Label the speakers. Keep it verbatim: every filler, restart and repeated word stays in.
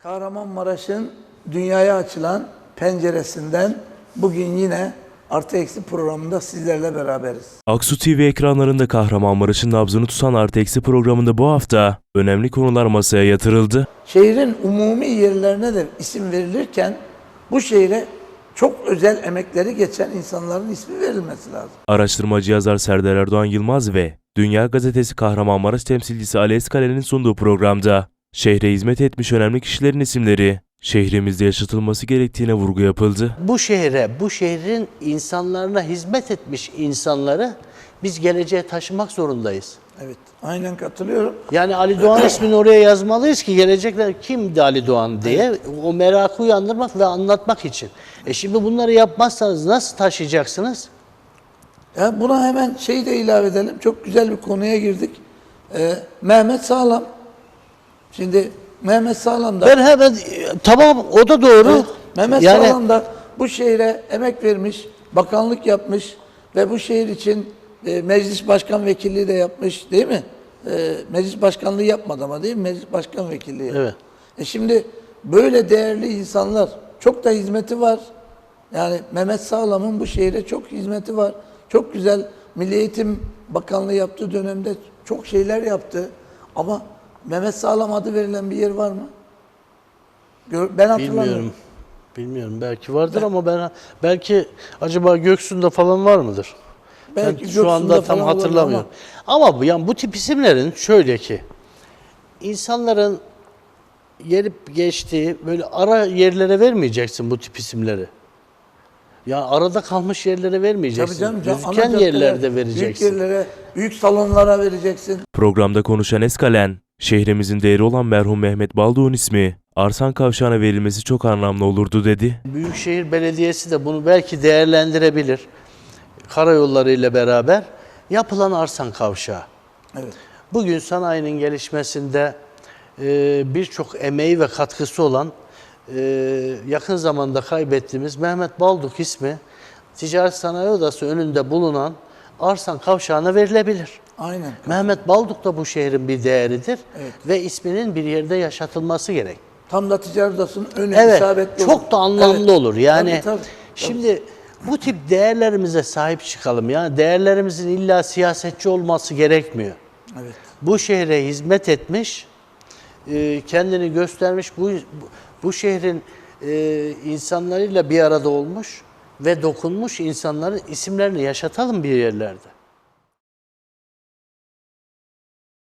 Speaker 1: Kahramanmaraş'ın dünyaya açılan penceresinden bugün yine Artı Eksi programında sizlerle beraberiz.
Speaker 2: Aksu T V ekranlarında Kahramanmaraş'ın nabzını tutan Artı Eksi programında bu hafta önemli konular masaya yatırıldı.
Speaker 1: Şehrin umumi yerlerine de isim verilirken bu şehre çok özel emekleri geçen insanların ismi verilmesi lazım.
Speaker 2: Araştırmacı yazar Serdar Erdoğan Yılmaz ve Dünya Gazetesi Kahramanmaraş temsilcisi Ali Eskale'nin sunduğu programda şehre hizmet etmiş önemli kişilerin isimleri şehrimizde yaşatılması gerektiğine vurgu yapıldı.
Speaker 3: Bu şehre, bu şehrin insanlarına hizmet etmiş insanları biz geleceğe taşımak zorundayız.
Speaker 1: Evet, aynen katılıyorum.
Speaker 3: Yani Ali Doğan ismini oraya yazmalıyız ki gelecekler kimdi Ali Doğan diye evet. O merakı uyandırmak ve anlatmak için. E şimdi bunları yapmazsanız nasıl taşıyacaksınız?
Speaker 1: Ya buna hemen şey de ilave edelim. Çok güzel bir konuya girdik. Ee, Mehmet Sağlam. Şimdi Mehmet Sağlam da...
Speaker 3: Ben hemen tamam o da doğru.
Speaker 1: Evet, Mehmet
Speaker 3: yani,
Speaker 1: Sağlam da bu şehre emek vermiş, bakanlık yapmış ve bu şehir için e, meclis başkan vekilliği de yapmış değil mi? E, meclis başkanlığı yapmadı ama değil mi? Meclis başkan vekilliği.
Speaker 3: Evet.
Speaker 1: E şimdi böyle değerli insanlar, çok da hizmeti var. Yani Mehmet Sağlam'ın bu şehre çok hizmeti var. Çok güzel Milli Eğitim Bakanlığı yaptığı dönemde çok şeyler yaptı. Ama Mehmet Sağlam adı verilen bir yer var mı? Ben hatırlamıyorum.
Speaker 3: Bilmiyorum. Bilmiyorum. Belki vardır ben, ama ben belki acaba Göksu'nda falan var mıdır?
Speaker 1: Belki
Speaker 3: ben şu anda tam hatırlamıyorum. Ama, ama bu yani bu tip isimlerin şöyle ki insanların gelip geçtiği böyle ara yerlere vermeyeceksin bu tip isimleri. Ya arada kalmış yerlere vermeyeceksin.
Speaker 1: Tabii canım,
Speaker 3: Gözüken
Speaker 1: ana
Speaker 3: yerlerde vereceksin.
Speaker 1: Büyük yerlere, büyük salonlara vereceksin.
Speaker 2: Programda konuşan Eskalen, şehrimizin değeri olan merhum Mehmet Baldoğ'un ismi Arsan Kavşağı'na verilmesi çok anlamlı olurdu dedi.
Speaker 3: Büyükşehir Belediyesi de bunu belki değerlendirebilir. Karayolları ile beraber yapılan Arsan Kavşağı.
Speaker 1: Evet.
Speaker 3: Bugün sanayinin gelişmesinde e, birçok emeği ve katkısı olan e, yakın zamanda kaybettiğimiz Mehmet Balduk ismi Ticaret Sanayi Odası önünde bulunan Arsan Kavşağı'na verilebilir.
Speaker 1: Aynen.
Speaker 3: Mehmet Balduk da bu şehrin bir değeridir
Speaker 1: Evet.
Speaker 3: ve isminin bir yerde yaşatılması gerek.
Speaker 1: Tam da Ticaret Odası'nın önü
Speaker 3: Evet,
Speaker 1: isabetli
Speaker 3: çok
Speaker 1: olur.
Speaker 3: da anlamlı
Speaker 1: Evet.
Speaker 3: olur. Yani
Speaker 1: tabii, tabii, tabii.
Speaker 3: şimdi bu tip değerlerimize sahip çıkalım. Yani değerlerimizin illa siyasetçi olması gerekmiyor.
Speaker 1: Evet.
Speaker 3: Bu şehre hizmet etmiş, kendini göstermiş, bu bu şehrin insanlarıyla bir arada olmuş ve dokunmuş insanların isimlerini yaşatalım bir yerlerde.